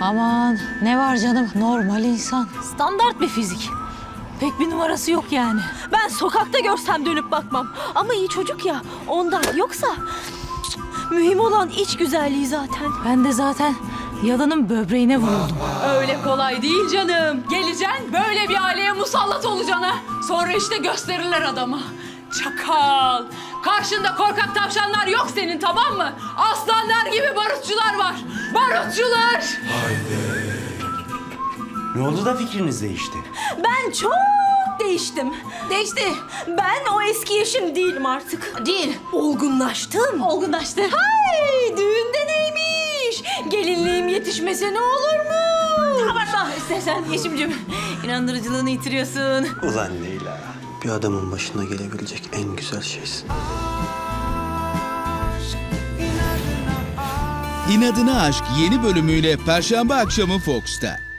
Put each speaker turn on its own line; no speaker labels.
Aman ne var canım, normal insan. Standart bir fizik. Pek bir numarası yok yani.
Ben sokakta görsem dönüp bakmam. Ama iyi çocuk ya ondan. Yoksa mühim olan iç güzelliği zaten.
Ben de zaten yalının böbreğine vuruldum.
Öyle kolay değil canım. Geleceksin böyle bir aileye musallat olacaksın ha. Sonra işte gösterirler adama. Çakal. Karşında korkak tavşanlar yok senin, tamam mı? Aslanlar gibi barutçular var. Barutçular.
Ne oldu da fikriniz değişti?
Ben çok değiştim. Değişti. Ben o eski yaşım değilim artık. Değil. Olgunlaştım.
Olgunlaştı.
Ay düğünde neymiş? Gelinliğim yetişmese ne olur mu?
Abartma istersen Yeşim'cim. İnandırıcılığını yitiriyorsun.
Ulan Leyla.
Bir adamın başına gelebilecek en güzel şeysin.
İnadına Aşk yeni bölümüyle Perşembe akşamı Fox'ta.